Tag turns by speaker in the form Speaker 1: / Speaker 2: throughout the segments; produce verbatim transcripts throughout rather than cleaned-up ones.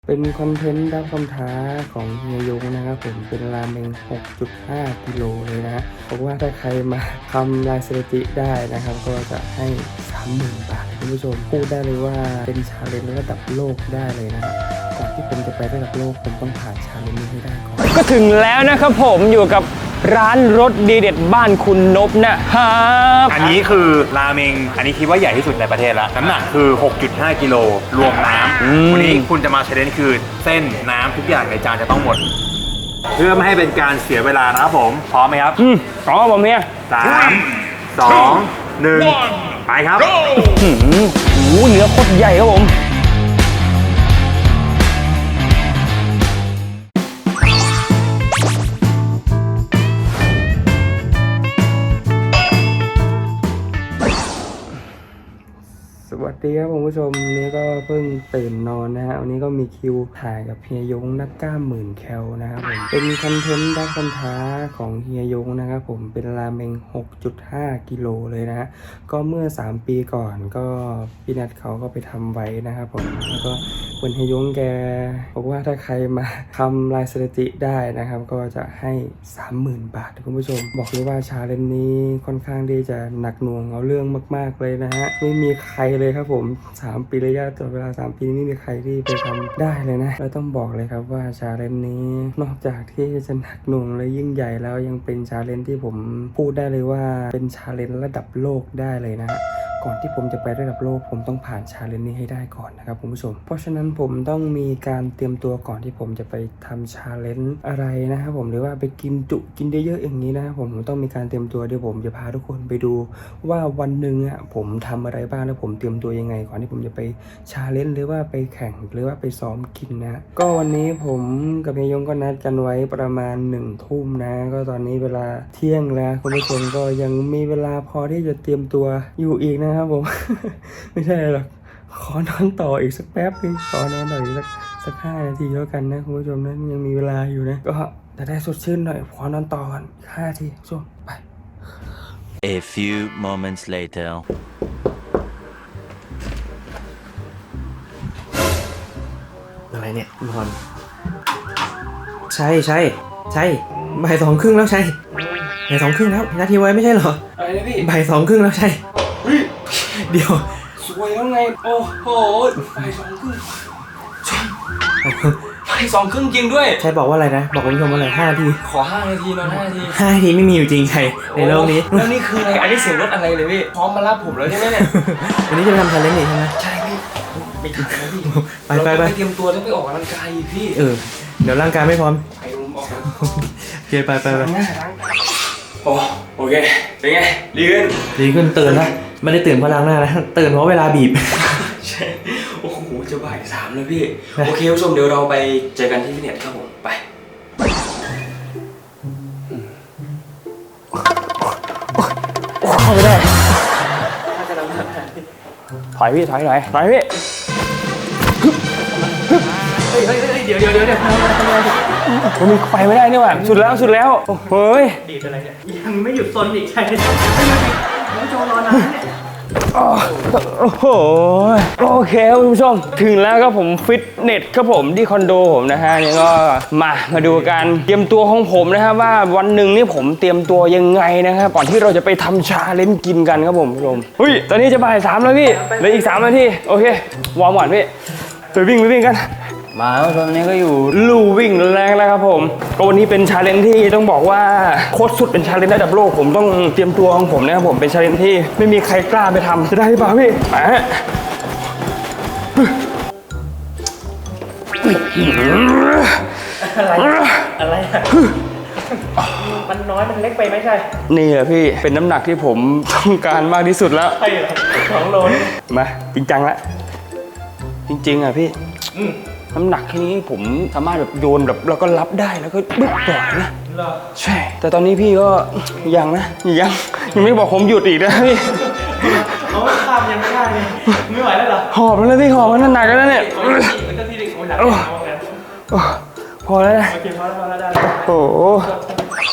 Speaker 1: เป็นคอนเทนต์รับคำท้าของเฮียยงนะครับผมเป็นราเมง หกจุดห้า กิโลเลยนะฮะบอกว่าถ้าใครมาทำลายสถิติได้นะครับก็จะให้ สามหมื่น บาทคุณผู้ชมพูดได้เลยว่าเป็นชาเลนจ์ระดับโลกได้เลยนะก่อนที่ผมจะไประดับโลกผมต้องผ่านชาเลนจ์นี้ให้ได้ก่อน
Speaker 2: ก็ถึงแล้วนะครับผมอยู่กับร้านรสดีเด็ดบ้านคุณนพนะครับ
Speaker 3: อันนี้คือราเมงอันนี้คิดว่าใหญ่ที่สุดในประเทศแล้วน้ำหนักคือ หกจุดห้า กิโลรวมน้ำวันนี้คุณจะมาเชลเลนจ์คือเส้นน้ำทุกอย่างในจานจะต้องหมดเพื่อไม่ให้เป็นการเสียเวลานะครับผมพร้อมไหมครับ
Speaker 2: อืมพร้อมผมเนี่ย
Speaker 3: สามสองหนึ่งไปครับโ
Speaker 2: อ้โหเนื้อโคตรใหญ่ครับผม
Speaker 1: สวัสดีครับคุณผู้ชมนี้ก็เพิ่งตื่นนอนนะฮะวันนี้ก็มีคิวถ่ายกับเฮียยงนักกล้ามหมื่นแคลนะครับผมเป็นคอนเทนต์รับคำท้าของเฮียยงนะครับผมเป็นราเมง หกจุดห้า กิโลเลยนะฮะก็เมื่อสามปีก่อนก็พี่นัทเขาก็ไปทำไว้นะครับผมแล้วก็เหมือนเฮียยงแกบอกว่าถ้าใครมาทำลายสถิติได้นะครับก็จะให้ สามหมื่น บาทคุณผู้ชมบอกเลยว่าชาเลนจ์นี้ค่อนข้างที่จะหนักหน่วงเอาเรื่องมากๆเลยนะฮะไม่มีใครเลยครับผมสามปีระยะต่อเวลาสามปีไม่มีใครที่ไปทำได้เลยนะแล้วต้องบอกเลยครับว่าชาเลนจ์นี้นอกจากที่จะหนักหน่วงและยิ่งใหญ่แล้วยังเป็นชาเลนจ์ที่ผมพูดได้เลยว่าเป็นชาเลนจ์ระดับโลกได้เลยนะฮะก่อนที่ผมจะไประดับโลกผมต้องผ่านชาเลนจ์นี้ให้ได้ก่อนนะครับคุณผู้ชมเพราะฉะนั้นผมต้องมีการเตรียมตัวก่อนที่ผมจะไปทำชาเลนจ์อะไรนะครับผมหรือว่าไปกินจุกินเยอะๆอย่างนี้นะครับผมผมต้องมีการเตรียมตัวเดี๋ยวผมจะพาทุกคนไปดูว่าวันหนึ่งอ่ะผมทำอะไรบ้างแล้วผมเตรียมตัวยังไงก่อนที่ผมจะไปชาเลนจ์หรือว่าไปแข่งหรือว่าไปซ้อมกินนะก็วันนี้ผมกับเฮียยงก็นัดกันไว้ประมาณหนึ่งทุ่มนะก็ตอนนี้เวลาเที่ยงแล้วคุณผู้ชมก็ยังมีเวลาพอที่จะเตรียมตัวอยู่อีกนะครับผม ไม่ใช่หรอกขอนอนต่ออีกสักแป๊บนึงขอนอนต่ออีกสักสักห้านาทีแล้วกันนะคุณผู้ชมนะยังมีเวลาอยู่นะก็จะได้สดชื่นหน่อยขอนอนต่อก่อนห้านาทีช่วงไป
Speaker 4: A few moments later
Speaker 5: อะไรเนี่ยนอนใช่ใช่ใช่บ่ายสองครึ่งแล้วใช่บ่ายสองครึ่งแล้วนาทีไว้ไม่ใช่เหรอ
Speaker 2: อะไรนะพี่
Speaker 5: บ่ายสองครึ่งแล้วใช่เดี๋ยว
Speaker 2: สวยแล้วไงโอ้โหบ่ายสองครึ่งบ่ายสองครึ่งจริงด้วย
Speaker 5: ใช่บอกว่าอะไรนะบอกคุณผู้ชมว่าอะไรห้านาที
Speaker 2: ขอห้านาทีนอนห้านาที
Speaker 5: ห้านาทีไม่มีอยู่จริงใช่ในโลกนี้
Speaker 2: แล้วนี่คืออะไรอันนี้เสียงรถอะไรเลยพี่พร้อมมารับผมแล้วใช่ไหมเนี่ย
Speaker 5: วันนี้จะไปทำชาเลนจ์นี่ใช่ไหม
Speaker 2: ใช่พี่ไม่ทันนะพี่
Speaker 5: ไปไปไป
Speaker 2: เตรียมตัวแล้วไปออกกำลังกายพี่
Speaker 5: เออเดี๋ยวร่างกายไม่พร้อม
Speaker 2: ไปรุมออก
Speaker 5: โอเคไปไปไป
Speaker 2: โอ้โอเคเป็นไงดีขึ้น
Speaker 5: ดีขึ้นตื่นแล้วไม่ได้ตื่นเพราะล้างหน้านะตื่นเพราะเวลาบีบ
Speaker 2: ใช่โอ้โหจะบ่ายสามแล้วพี่โอเคผู้ชมเดี๋ยวเราไปเจอกันที่ฟิตเนสครับผมไป
Speaker 5: เข้าไม่ได้
Speaker 2: ถอยพี่ถอยถอยถอยพี่
Speaker 5: เฮ้ยเฮ้ยเฮ้ยเดี๋ยวเดี๋ยวเดี๋ยวเดี๋ยว
Speaker 2: ผมมีไปไม่ได้นี่หว่าสุดแล้วสุดแล้วเฮ้ย
Speaker 5: ดีดอะไรเนี่ยยังไม่หยุดซนอีกใช่น้องโจรอนานเนี่ย
Speaker 2: โอ้โหโอเคคุณผู้ชมถึงแล้วครับผมฟิตเนสครับผมที่คอนโดผมนะฮะนี่ก็มามาดูกันเตรียมตัวของผมนะครับว่าวันหนึ่งนี่ผมเตรียมตัวยังไงนะครับก่อนที่เราจะไปทำชาเลนจ์กินกันครับผมผู้ชมเฮ้ยตอนนี้จะบ่ายสามแล้วพี่เหลืออีกสามนาทีโอเควอร์มก่อนพี่ไปวิ่งไปวิ่งกันมาตอนนี้ก็อยู่ลู่วิ่งแรงแล้วครับผมก็วันนี้เป็นชาเลนจ์ที่ต้องบอกว่าโคตรสุดเป็นชาเลนจ์ระดับโลกผมต้องเตรียมตัวของผมนะครับผมเป็นชาเลนจ์ที่ไม่มีใครกล้าไปทำจะได้หรือเปล่าพี่ไปฮะ
Speaker 5: อะไรอะไรมันน้อยมันเล็กไปไหมใช่
Speaker 2: นี่แหละพี่เป็นน้ำหนักที่ผมต้องการมากที่สุดแล้ว
Speaker 5: ใช่เหรอสองโล
Speaker 2: มาจริงจังละจริงๆอ่ะพี่น้ำหนักแค่นี้ผมสามารถแบบโยนแบบแล้วก็รับได้แล้วก็บึ้บปล่อยนะใช่แต่ตอนนี้พี่ก็ยังนะยังยังไม่บอกผมหยุดอีกนะพี่
Speaker 5: เขาข้ามยังไม่ได้เลยไม่ไหวแล้วเหรอ
Speaker 2: หอบแล้วพี่หอบมันหนักแล้วเนี่ย
Speaker 5: มันก็ที่เด็กโอ้ยหนักพ
Speaker 2: อแล้วนะ
Speaker 5: โอเคพอแล้วพอแล้วได้
Speaker 2: โอ้โห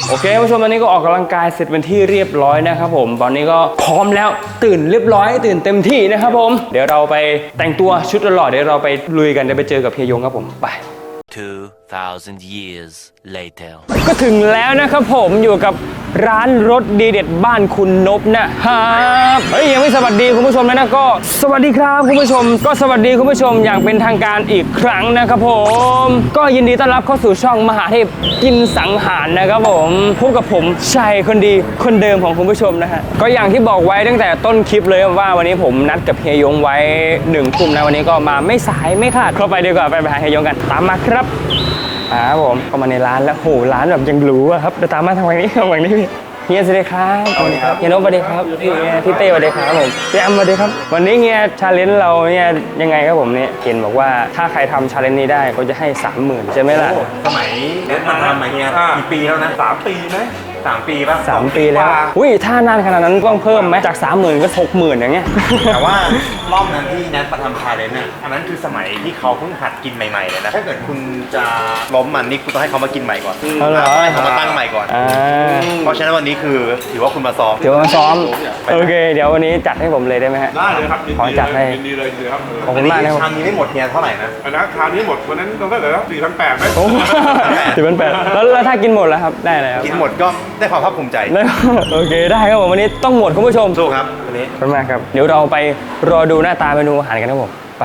Speaker 2: โอเคผู้ชมตอนนี้ก็ออกกำลังกายเสร็จเป็นที่เรียบร้อยนะครับผมตอนนี้ก็พร้อมแล้วตื่นเรียบร้อยตื่นเต็มที่นะครับผมเดี๋ยวเราไปแต่งตัวชุดหล่อๆเดี๋ยวเราไปลุยกันเดี๋ยวไปเจอกับเฮียยงครับผมไป
Speaker 4: two thousand years later
Speaker 2: ก็ถึงแล้วนะครับผมอยู่กับร้านรถดีเด็ดบ้านคุณนพนะครับเฮ้ยยังไม่สวัสดีคุณผู้ชมเลยนะก็สวัสดีครับคุณผู้ชมก็สวัสดีคุณผู้ชมอย่างเป็นทางการอีกครั้งนะครับผมก็ยินดีต้อนรับเข้าสู่ช่องมหาเทพกินสังหารนะครับผมพบกับผมชัยคนดีคนเดิมของคุณผู้ชมนะฮะก็อย่างที่บอกไว้ตั้งแต่ต้นคลิปเลยว่าวันนี้ผมนัดกับเฮียยงไว้หนึ่งทุ่มนะวันนี้ก็มาไม่สายไม่ขาดเข้าไปดีกว่าไปหาเฮียยงกันตามมาครับอ่าผมเข้ามาในร้านแล้วโหร้านแบบยังหรูอะครับเดี๋ยวตามมาทางฝั่งนี้ทางฝั่งนี้เฮียสวัสดีครับสวัสดีครับเฮียนพสวัสดีครับพี่พี่เต้สวัสดีครับผมพี่แอมสวัสดีครับวันนี้เฮียชาเลนจ์เราเนี่ยยังไงครับผมเนี่ยเห็นบอกว่าถ้าใครทำชาเลนจ์นี้ได้ก็จะให้สามหมื่นใช่ไหมล่ะ
Speaker 3: สมัยเน็ตมาทำมาเฮียกี่ปีแล้วนะสามปีไหมสามปีป่ะ
Speaker 2: สามปีแล้วอุ้ยถ้านานขนาดนั้นต้องเพิ่มไหมจากสามหมื่นก็หกหมื่นอย่างเงี้ย
Speaker 3: แต่ว่ารอบนั้นที่แนทมาทำชาเลนจ์น่ะอันนั้นคือสมัยที่เขาเพิ่งหัดกินใหม่ๆเลยนะถ้าเกิดคุณจะล้มมันนี่คุณต้องให้เขามากินใหม่ก่อน
Speaker 2: เอาเหรอ
Speaker 3: ให้เขามาตั้งใหม่ก่อน
Speaker 2: อ่า
Speaker 3: เพราะฉะนั้นวันนี้คือถือว่าคุณมาซ้อม
Speaker 2: เดี๋ยวมาซ้อมโอเค เดี๋ยววันนี้จัดให้ผมเลยได้ไหมฮะ
Speaker 6: ได้เลยครับยิน
Speaker 2: ขอ
Speaker 6: ดี
Speaker 2: จัด
Speaker 6: เล
Speaker 2: ให้
Speaker 6: ยยินดีเลยยินดีครับ
Speaker 2: ขอบคุณมากนะครับ
Speaker 3: ชามนี้ไม่หมดเฮียเท่าไหร่นะ
Speaker 6: อันนั้นคราวนี้หมดวันนั้นต้องเท่าไหร่แล้วสี่พันแปดไหม
Speaker 2: โอ้สิบเป็นแปดแล้วแล้วถ้ากินหมดแล้วครับได้เลยครับ
Speaker 3: กินหมดก็ได้ความภาคภูมิใจ
Speaker 2: ได้โอเคได้ครับผมวันนี้ต้องหมดคุณผู้ชม
Speaker 3: สู้ครับวันนี้
Speaker 2: ขอบคุณมากครับเดี๋ยวเราไปรอดูหน้าตาเมนูอาหารกันครับผมไป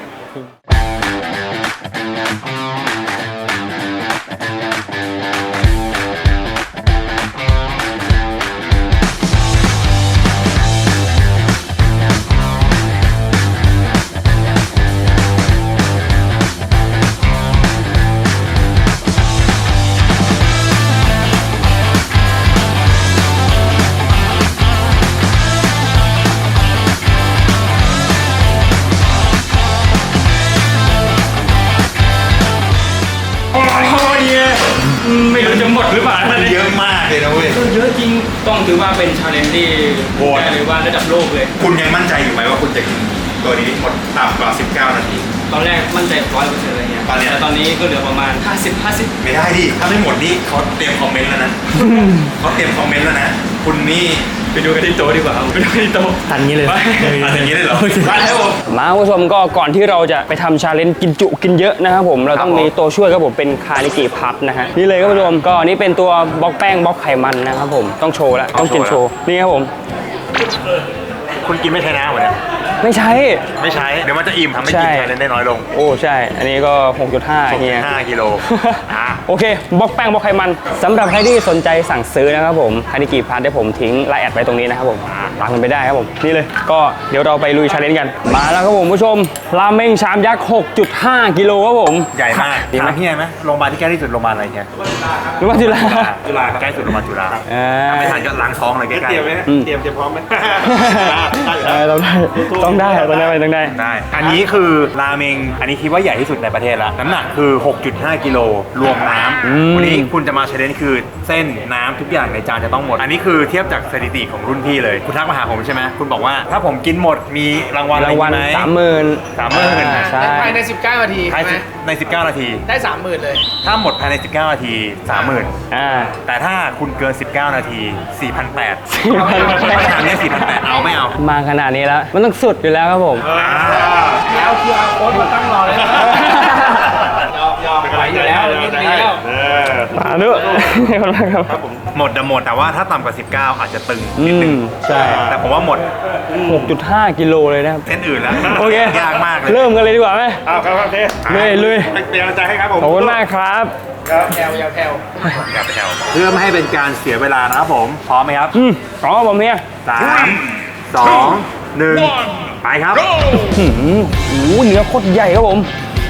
Speaker 2: ไม่รู้จะหมดหรือเปล่า
Speaker 3: เยอะมากเลยนะเว้ย
Speaker 2: เยอะจริงต้องถือว่าเป็นชาเลนจ์ที่โหดหรือว่าระดับโลกเลย
Speaker 3: คุณยังมั่นใจอยู่ไหมว่าคุณจะกินตัวนี้หมดต่ำกว่าสิบเก้านาที
Speaker 2: ตอนแรกมั่นใจร้อยเปอร์เซ็นต์อะไรเงี้ย
Speaker 3: ตอนเนี้ย
Speaker 2: แต่ตอนนี้ก็เหลือประมาณห้าสิบ ห้าสิบ
Speaker 3: ไม่ได้ดิ ถ้าไม่หมดนี่เขาเตรียมคอมเมนต์แล้วนะ เขาเตรียมคอมเมนต์แล้วนะ คุณนี่
Speaker 2: ไปดูกันที่โต๊ะดีกว่าไปดูกันที่โต๊ะ
Speaker 5: ทันนี้เลย
Speaker 3: อะไรอย่างนี้ได้เหรอได้แล้วผม
Speaker 2: มาคุณผู้ชมก็ก่อนที่เราจะไปทำชาเลนจ์กินจุกินเยอะนะครับผมเราต้องมีตัวช่วยครับผมเป็นคานิกิพับนะฮะนี่เลยครับคุณผู้ชมก็นี่เป็นตัวบล็อกแป้งบล็อกไขมันนะครับผมต้องโชว์แล้วต้องกินโชว์นี่ครับผม
Speaker 3: คุณกินไม่ใช่น้ำเหรอเนี่ย
Speaker 2: ไม่ใช่
Speaker 3: ไม่ใช้ เดี๋ยวมันจะอิ่มทำให้
Speaker 2: ใช่
Speaker 3: กินแคลอรี่ได้น้อยลง
Speaker 2: โอ้ใช่ อันนี้ก็ หกจุดห้า เฮีย
Speaker 3: ห้ากิโลอ่ะ
Speaker 2: โอเคบล็อกแป้งบล็อกไขมันสำหรับใครที่สนใจสั่งซื้อนะครับผมคานิกิพัทได้ผมทิ้งไลน์แอดไว้ตรงนี้นะครับผมตามกันไปได้ครับผมนี่เลยก็เดี๋ยวเราไปลุยชาเลนจ์กันมาแล้วครับผมผู้ชมราเมงชามยักษ์ หกจุดห้า กิโลครับผม
Speaker 3: ใหญ่มาก
Speaker 2: ดีไหม
Speaker 3: ถามพี่ไงไหมโรงพยาบาลที่ใกล้ที่สุดโรงพยาบาลอะไรเงี้ย
Speaker 2: หรือว่าจุฬา
Speaker 3: จุฬาใกล้สุดโรงพยาบาลจุฬา
Speaker 2: อ่า
Speaker 3: ไม่ทันก็ล้างท้องเลยใกล้ๆ
Speaker 6: เตรียมไหมฮะ
Speaker 2: อืม
Speaker 6: เตรียมเตรียมพร้อมไหม
Speaker 2: เออต้องได้ต้องได้ต้องได้ต้องได้
Speaker 3: ได้ อันนี้คือราเมง อันนี้คิดว่าใหญ่ที่สุดในประเทศแล้ว น้ำหนักคือ หกจุดห้า กิโล รวมน้
Speaker 2: อืม
Speaker 3: ำ วันนี้คุณจะมาเชลเลนจ์คือเส้นน้ำทุกอย่างในจานจะต้องหมด อันนี้คือเทียบจากสถิติของรุ่นพี่เลย คุณทักมาหาผมใช่ไหม คุณบอกว่าถ้าผมกินหมดมีรางวัลอะไร
Speaker 2: รางวัล
Speaker 3: ไหม
Speaker 2: สามหมื่น
Speaker 3: สามหมื่น
Speaker 2: ใช่
Speaker 7: ภายใน สิบเก้า นาที
Speaker 3: ภาย
Speaker 7: ใช่ไหม
Speaker 3: ใน สิบเก้า นาที
Speaker 7: ได้ สามหมื่น เลย
Speaker 3: ถ้าหมดภายใน สิบเก้า นาที สามหมื่น
Speaker 2: อ่า
Speaker 3: แต่ถ้าคุณเกิน สิบเก้า นาที สี่พันแปด
Speaker 2: สี่พันแปด
Speaker 3: ไม่ทำเนี่ยสี่พันแปดเอาไม่เอา
Speaker 2: มาขนาดนี้แล้วมันต้องสุดอยู่แล้วครับผม
Speaker 7: แล้ว คิว อาร์ code มาตั้งรอเลยนะยอมยอมไหวอยู่แล้วนิดเดียว
Speaker 2: มาด้วยขอบคุณมากครับ
Speaker 3: หมดจะหมดแต่ว่าถ้าต่ำกว่า สิบเก้า อาจจะตึง
Speaker 2: อื
Speaker 3: นิดนึง
Speaker 2: มใช่
Speaker 3: แต่ผมว่าหมด
Speaker 2: หกจุดห้า กิโลเลยนะครับ
Speaker 3: เส้นอื่นแล้ว
Speaker 2: โอเค
Speaker 3: ยากมากเลย
Speaker 2: เริ่มกันเลยดีกว่าไหม
Speaker 6: เอาครับโอเค
Speaker 2: ลุยลุย
Speaker 6: เป็นกำลังใจให้ครับผม
Speaker 2: ขอบคุณมากครับ
Speaker 7: แถวอยาวแถว
Speaker 3: กับแถวเพื่อไม่ให้เป็นการเสียเวลานะครับผม พร้อมไหมครับ
Speaker 2: อืมอ๋อผมเนี่ย
Speaker 3: สามสองหนึ่งไปครับ
Speaker 2: หืมโอ้โหเนื้อโคตรใหญ่ครับผม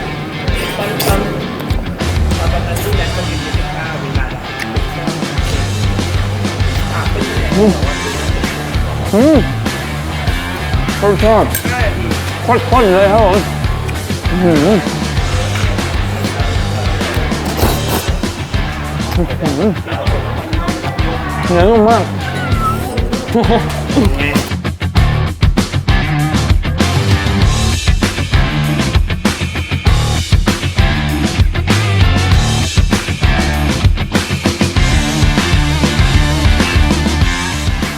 Speaker 2: อืมอืมรสชาติข้นๆเลยครับผมอื้อหืออื้อหือเนื้อนุ่มมาก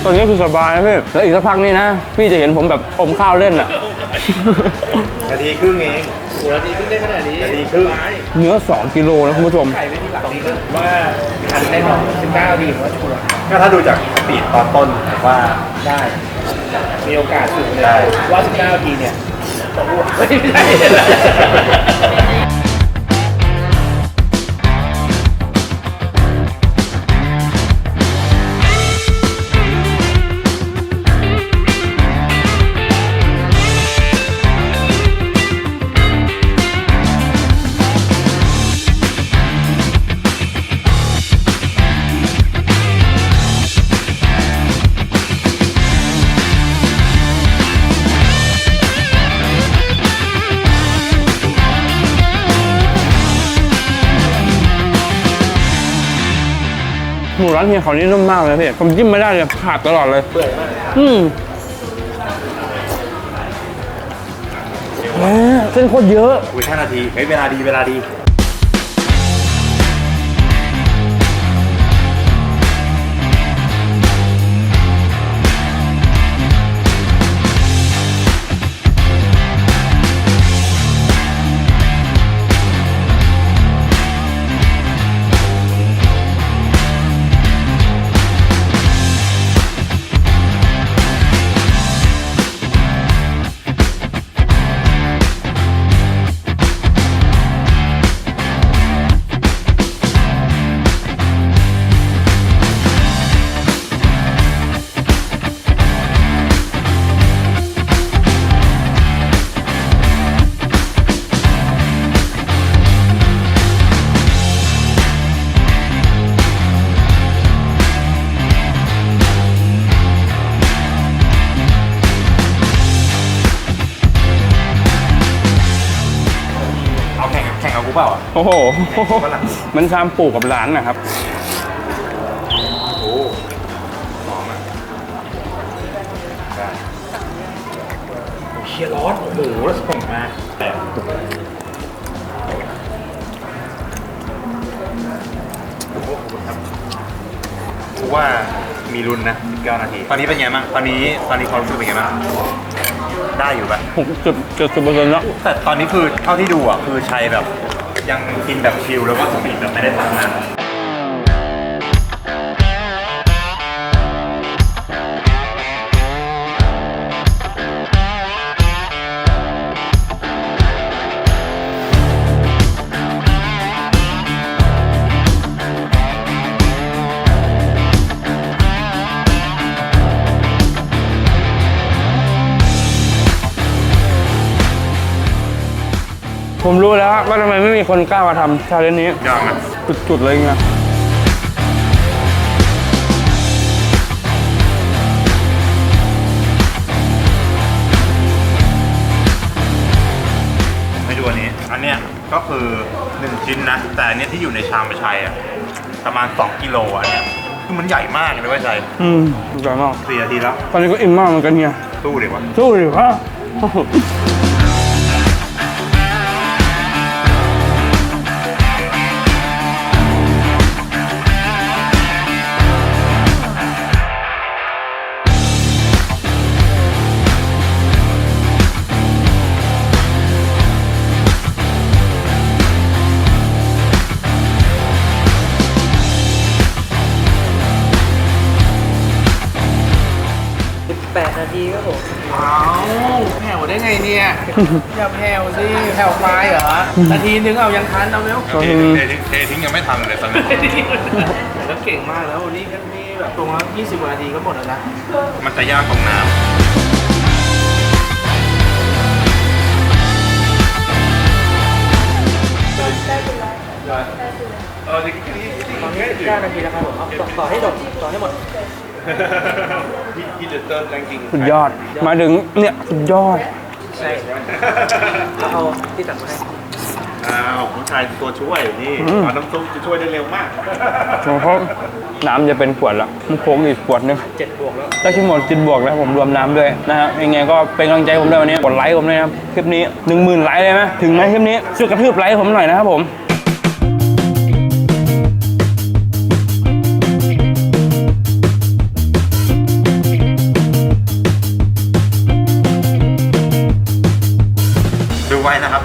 Speaker 2: ตอนนี้คือสบายนะพี่แล้วอีกสักพักนี่นะพี่จะเห็นผมแบบอมข้าวเล่นอ่ะ
Speaker 3: นาทีครึ่งเอง
Speaker 7: หัวดีขึ้นได้ขนาดนี้
Speaker 3: นาทีครึ่ง
Speaker 2: เนื้อสองกิโลนะคุณผู้ชม
Speaker 7: ไข่ไม่ที่หลังนี้ก็ว่าทันได้หรอกสิบเก้าดีผมว่าชัวร์
Speaker 3: ก็ถ้าดูจากสปีดตอนต้นผมว่า
Speaker 7: ได้ มีโอกาสสูงเลย
Speaker 3: ได้
Speaker 7: ว่าสิบเก้าทีเนี่ยจะอ้วกไม่ได้
Speaker 2: หมูร้านเฮียเขานี่นุ่มมากเลยพี่ผมจิ้มไม่ได้เลยขาดตลอดเลยเปื่อยมากอืมแหมเส้นโคตรเยอะ
Speaker 3: อุ้ยห้านาทีเฮ้ยเวลาดีเวลาดี เอาแข่งแข่งเอากูเปล่าอ่ะ
Speaker 2: โอ้โห มันชามปลูกกับร้านนะครับ
Speaker 3: โอ้หอมอ่ะได้เชียร์ร้อนโอ้โหแล้วส่งมาแต่โอ้โหขอบคุณครับกูว่ามีลุ้นนะสิบเก้านาที ตอนนี้เป็นไงบ้างตอนนี้ตอนนี้ความรู้สึกเป็นไงบ้างได้อยู่ปะ
Speaker 2: หกสิบเจ็ดสิบเปอร์เซ็นต์แล้ว
Speaker 3: แต่ตอนนี้คือเท่าที่ดูอ่ะคือชัยแบบยังกินแบบชิลแล้วก็สปีดแบบไม่ได้ตัดมาก
Speaker 2: ผมรู้แล้วว่าทำไมไม่มีคนกล้ามาทำชาเลนจ์นี้
Speaker 3: ยากนะ
Speaker 2: จุดๆเลยไง
Speaker 3: ไม่ดูอันนี้ อันเนี้ยก็คือหนึ่งชิ้นนะ แต่อันเนี้ยที่อยู่ในชามประชัยอ่ะประมาณสองกิโลอ่ะอันเนี้ยคือมันใหญ่มากเลยว่าชัย
Speaker 2: อืมอร่อยมาก
Speaker 3: สี่นาทีแล้ว
Speaker 2: ตอนนี้ก็อิ่มมากเหมือนกันเนี่ย
Speaker 3: สู้ดีกว่า
Speaker 2: สู้ดิวะ
Speaker 5: แปดนาทีครับผม
Speaker 7: อ้าวแผ่วได้ไงเนี่ย อย่าแผ่วสิแผ่วไปเหรอ นาทีนึงเอายังทันเอาเร็ว
Speaker 3: เททิ้งเททิ้งยังไม่ทันเลยตอนนี้
Speaker 7: แต่ก็เก่งมากแล้ววันนี้ก็นี่แบบตรงละยี่สิบกว่านาทีก็หมดแล้วนะ
Speaker 3: มันจะยากตรงน้ำ
Speaker 7: เออนี่แค่นี้
Speaker 5: ตอนนี้สิบเก้านาทีแล้วครับผมเอาต่อต่อให้หมดต่อให้หมด
Speaker 6: พี่พี่เดอร์เตอร์จริง
Speaker 2: สุดยอด มาถึงเนี่ยสุดยอด
Speaker 5: ใช่เอาเอาที่ตักมาให้
Speaker 6: อ้าวผู้ชายตัวช่วยนี่
Speaker 2: อืม
Speaker 6: เอาน้ำซุปจะช่วยได้เร็วมาก
Speaker 2: เพราะน้ำจะเป็นขวดละมันโค้งอีกขวดนึง
Speaker 5: เจ็ดบวกแล้ว
Speaker 2: ได้ที่หมดจินบวกแล้วผมรวมน้ำด้วยนะฮะยังไงก็เป็นกำลังใจผมด้วยวันนี้กดไลค์ผมด้วยนะครับคลิปนี้หนึ่งหมื่นไลค์เลยไหมถึงไหมคลิปนี้ช่วยกระทืบไลค์ผมหน่อยนะครับผม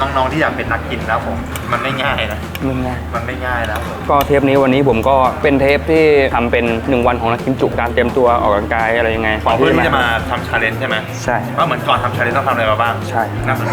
Speaker 3: น้องๆที่อยากเป็นนักกินนะครับผมมันไม่ง่ายนะ
Speaker 2: มึงไง
Speaker 3: มันไม่ง่ายนะครับผม
Speaker 2: ก็เทปนี้วันนี้ผมก็เป็นเทปที่ทำเป็นหนึ่งวันของนักกินจุการเตรียมตัวออกกำลังกายอะไรยังไง
Speaker 3: ก่อนที่จะมาทำชาเลนจ์ใช่ไหม
Speaker 2: ใช่
Speaker 3: ว่าเหมือนก่อนทำชาเลนจ์ต้องทำอะไรมาบ้าง
Speaker 2: ใช่
Speaker 3: น่าสนใจ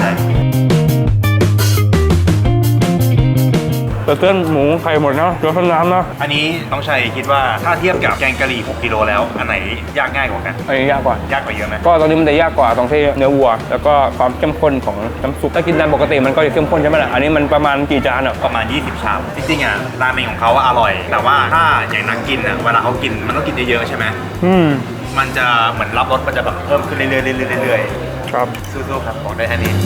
Speaker 2: เบอร์เกอร์หมูไข่หมดนะเดี๋ยวต้นน้ำนะ
Speaker 3: อันนี้ต้องชัยคิดว่าถ้าเทียบกับแกงกะหรี่หกกิโลแล้วอันไหนยากง่ายกว่ากัน
Speaker 2: อันนี้ยากกว่า
Speaker 3: ยากกว่าเยอะไหม
Speaker 2: ก็ตอนนี้มันจะยากกว่าตรงที่เนื้อวัว แล้วก็ความเข้มข้นของน้ำซุปถ้ากินตามปกติมันก็จะเข้มข้นใช่ไหมล่ะอันนี้มันประมาณกี่จานอ่ะ
Speaker 3: ประมาณยี่สิบชามจริงๆอ่ะราเมงของเขาว่าอร่อย แต่ว่าถ้าอย่างนักกินอ่ะเวลาเขากินมันต้องกินเยอะๆใช่ไหม
Speaker 2: อืม
Speaker 3: มันจะเหมือนรับรสมันจะแบบเพิ่มขึ้นเรื่อยๆเรื่อยๆเรื่อย
Speaker 2: ครับ
Speaker 3: ๆสู้ๆครับบอกได้แค่นี้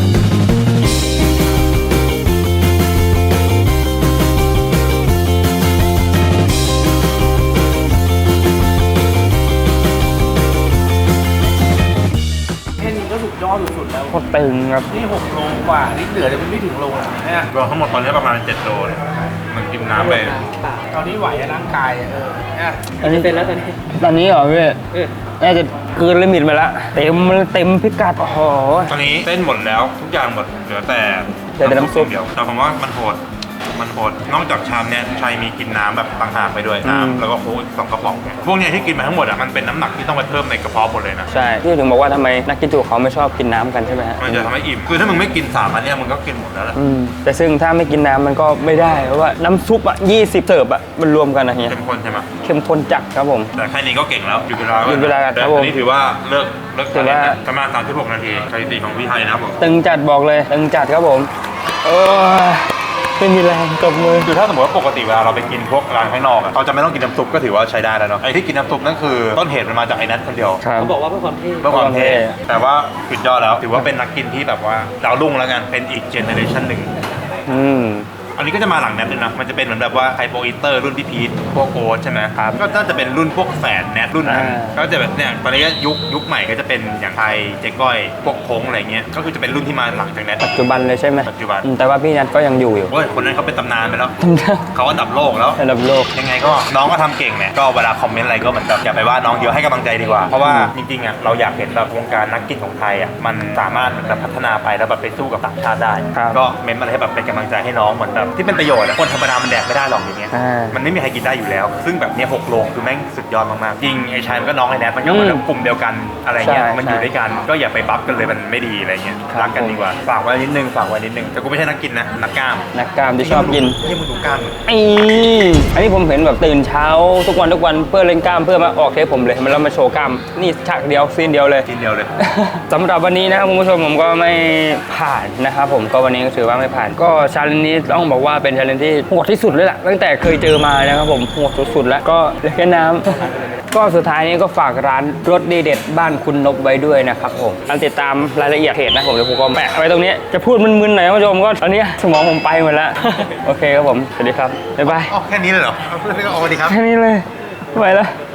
Speaker 7: แค่นี้ก็สุดยอดสุดๆแล้ว
Speaker 2: โคตรตึงครับ
Speaker 7: นี่หกโลกว่านี่เหลือแต่มันไม่ถึงโลนะเนี่ย
Speaker 3: รวมทั้งหมดตอนนี้ประมาณเจ็ดโลเลยมันกินน้ำไป
Speaker 7: ตอนนี้ไหวอะร่างกายอะเออเนี่ย
Speaker 2: อันนี้เป็นแล้วตอนนี้ตอนนี้เหรอพี่น่าจะเกินลิมิตไปแล้วเต็มเต็มพิกัดโอ้โห
Speaker 3: ตอนนี้เส้นหมดแล้วทุกอย่างหมดเหลือแต่
Speaker 2: เหลือแต่น้ำซุป
Speaker 3: เดียวแต่ผมว่ามันโหดมันโหดนอกจากชามเนี้ยชัยมีกินน้ำแบบต่างหากไปด้วยน้ำแล้วก็โค้กอีกสองกระป๋องเนี่ยพวกเนี้ยที่กินมาทั้งหมดอ่ะมันเป็นน้ำหนักที่ต้องไปเพิ่มในกระเพาะหมดเลยนะ
Speaker 2: ใช่ที่ถึงบอกว่าทำไมนักกินจุเขาไม่ชอบกินน้ำกันใช่ไหมฮะ
Speaker 3: มันจะทำให้อิ่มคือถ้ามึงไม่กินสามอันเนี้ยมึงก็กินหมดแล้วแหละ
Speaker 2: อืมแต่ซึ่งถ้าไม่กินน้ำมันก็ไม่ได้เพราะว่าน้ำซุปอ่ะยี่สิบเสิร์ฟอ่ะมันรวมกันนะเฮีย
Speaker 3: เข้มข้นใช่ไหม
Speaker 2: เข้มข้นจัดครับผม
Speaker 3: แต่แค่นี้ก็เก่งแล้วหยุดเวลา
Speaker 2: หยุดเวลาครับ
Speaker 3: แต่
Speaker 2: ผม
Speaker 3: อันนี้ถือว่าเลิกเลิก
Speaker 2: ถือว่า
Speaker 3: ประมาณสามสิบหกนาทีสถิติของพี่ไทยนะครับผม
Speaker 2: ตึงจัดบอกเลยตึงจัดครับผมโอ้ยไม่มีแรงกับมือ
Speaker 3: คือถ้าสมมติว่าปกติเวลาเราไปกินพวกร้านข้างนอกอะเราจะไม่ต้องกินน้ำซุปก็ถือว่าใช้ได้แล้วเนาะไอ้ที่กินน้ำซุปนั่นคือต้นเหตุมันมาจากไอ้นัทคนเดียว
Speaker 2: ครับ
Speaker 5: เขาบอกว่าเพื่อความเท่
Speaker 3: เพื่อความเท่
Speaker 2: เพื่อความเท่
Speaker 3: แต่ว่าสุดยอดแล้ว ถือว่าเป็นนักกินที่แบบว่าดาวรุ่งแล้วกัน เป็นอีกเจเนอเรชันหนึ่ง
Speaker 2: อืม
Speaker 3: อันนี้ก็จะมาหลังแนทด้วยนะ มันจะเป็นเหมือนแบบว่าไฮโปอีเตอร์รุ่นพี่พีทพวกโอ๊ตใช่ไหมครับก็น่าจะเป็นรุ่นพวกแฝดแนทรุ่นนั้น
Speaker 2: อ่า
Speaker 3: ก็จะแบบเนี่ยตอนนี้ก็ยุคยุคใหม่ก็จะเป็นอย่างไทยเจ๊ก้อยพวกโค้งอะไรเงี้ย ก็คือจะเป็นรุ่นที่มาหลังจากแนท
Speaker 2: ปัจจุบันเลยใช่ไหม
Speaker 3: ปัจจุบัน
Speaker 2: อืมแต่ว่าพี่นัทก็ยังอยู่อยู่
Speaker 3: เว้ยคนนั้นเขาเป็นตำนานไปแล้ว เขาอันดับโลกแล้ว
Speaker 2: ระดับโลก
Speaker 3: ยังไงก็น้องก็ทำเก่งเนี่ยก็เวลาคอมเมนต์อะไรก็เหมือนแบบอย่าไปว่าน้องเยอะให้กำลังใจดีกว่า เพราะว่าจริงๆอ่ะเราอยากเห็นแบบวงการนักกินของไทยอ่ะมันสามารถแบบพัฒนาไปแล้วแบบไปสู้กับต่างชาติได้
Speaker 2: ครับ
Speaker 3: ก็เม้นต์อะไรให้แบบเป็นกำลังใจให้น้องเหมือนแบบที่เป็นประโยชน์อะคนธรรมดามันแดกไม่ได้หรอกอย่างเงี้ย
Speaker 2: อ่า
Speaker 3: มันไม่มีใครกินได้อยู่แล้ว ซึ่งแบบเนี้ยหกโลคือแม่งสุดยอดมากๆจริงไอ้ชายมันก็น้องไอ้แนทมันก็เหมือนแบบกลุ่มเดียวกันอะไรเงี้ย
Speaker 2: ใช่
Speaker 3: มันอยู่ด้วยกันก็อย่าไปบัฟกันเลยมันไม่ดีอะไรเงี้ย
Speaker 2: ครับ
Speaker 3: รักกันดีกว่าฝากไว้นิดนึงฝากไว้นิดนึงแต่กูไม่ใช่นักกินนะนักกล้าม
Speaker 2: นักกล้ามที่ชอบกิน
Speaker 3: ที่มึงดูกล้าม
Speaker 2: ไอ้อันนี้ผมเห็นแบบตื่นเช้าทุกวันทุกวันเพื่อเล่นกล้ามเพื่อมาออกเทปผมเลยมันแล้วมาโชว์กล้ามนี่ฉากเดียวซีนเดียวเลย
Speaker 3: กินเดียวเลย
Speaker 2: สำหรับวันนี้นะครับคุณผู้ชมผมก็ไม่ผ่านนะครับผมก็วันนี้ก็ถือว่าไม่ผ่านก็ชาเลนจ์นี้ต้องบอกว่าเป็นชาเลนจ์ที่โหดที่สุดเลยล่ะตั้งแต่เคยเจอมานะครับผมโหดสุดๆแล้วก็เหลือแค่น้ำ ก็สุดท้ายนี้ก็ฝากร้านรสดีเด็ดบ้านคุณนกไว้ด้วยนะครับผมการติดตามรายละเอียดเพจนะผมเดี๋ยวผมก็แปะไว้ตรงนี้จะพูดมึนๆหน่อยนะคุณผู้ชมก็ตอนนี้สมองผมไปหมดแล้ว โอเคครับผมสวัสดีครับบ๊ายบาย
Speaker 3: อ๋อแค่นี้เลยเหรอเอาเพื่อนก็เอาดีครับ
Speaker 2: แค่นี้เลยไม่ไหวแล้ว